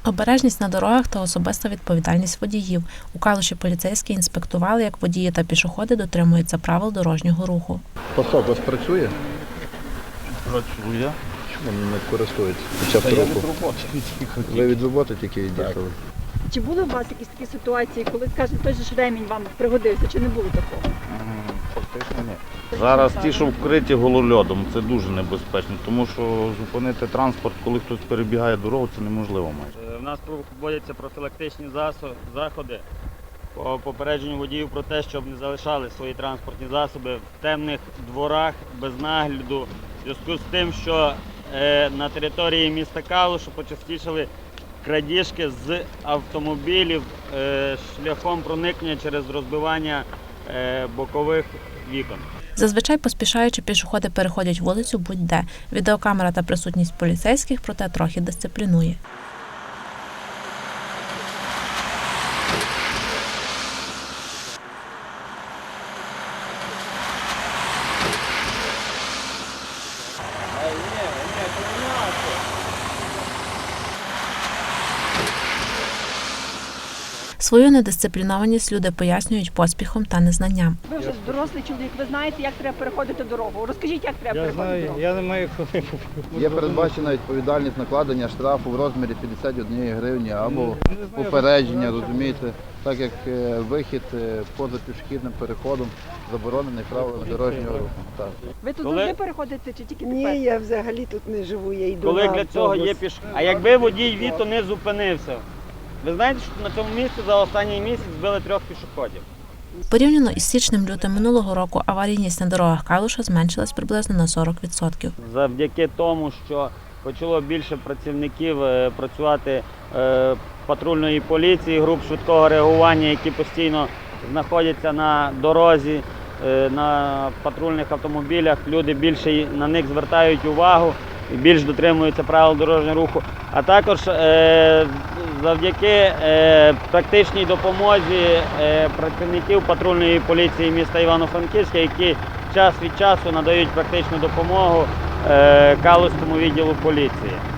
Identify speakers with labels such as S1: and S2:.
S1: Обережність на дорогах та особиста відповідальність водіїв. У Калуші поліцейські інспектували, як водії та пішоходи дотримуються правил дорожнього руху.
S2: Пасок у вас працює?
S3: Працює.
S2: Чому не користується під час руху? Ви від роботи тільки від'їхали?
S4: Чи були у вас якісь такі ситуації, коли, скажімо, той же ж ремінь вам пригодився, чи не було такого?
S3: Фактично ні. Зараз ті, що вкриті голольодом, це дуже небезпечно, тому що зупинити транспорт, коли хтось перебігає дорогу, це неможливо майже.
S5: У нас проводяться профілактичні заходи по попередженню водіїв про те, щоб не залишали свої транспортні засоби в темних дворах без нагляду. В зв'язку з тим, що на території міста Калушу почастішали крадіжки з автомобілів шляхом проникнення через розбивання бокових вікон.
S1: Зазвичай поспішаючи пішоходи переходять вулицю будь-де. Відеокамера та присутність поліцейських, проте, трохи дисциплінує. Свою недисциплінованість люди пояснюють поспіхом та незнанням.
S4: Ви вже дорослий чоловік, ви знаєте, як треба переходити дорогу. Розкажіть, як треба переходити дорогу.
S5: Я не маю коли.
S2: Є передбачена відповідальність накладення штрафу в розмірі 51 гривні або попередження, розумієте, так як вихід поза пішохідним переходом заборонений правилами дорожнього руху. Так.
S4: Ви тут
S5: Коли-
S4: завжди переходите чи тільки тепер?
S6: Ні, я взагалі тут не живу, я йду
S5: Коли
S6: на
S5: для цього є
S6: автобус.
S5: пішохід. А якби водій Віто не зупинився, ви знаєте, що на цьому місці за останній місяць збили 3 пішоходів?
S1: Порівняно із січнем-лютим минулого року аварійність на дорогах Калуша зменшилась приблизно на 40%.
S5: Завдяки тому, що почало більше працівників працювати патрульної поліції, груп швидкого реагування, які постійно знаходяться на дорозі, на патрульних автомобілях, люди більше на них звертають увагу і більш дотримуються правил дорожнього руху. А також завдяки практичній допомозі працівників патрульної поліції міста Івано-Франківська, які час від часу надають практичну допомогу Калузькому відділу поліції.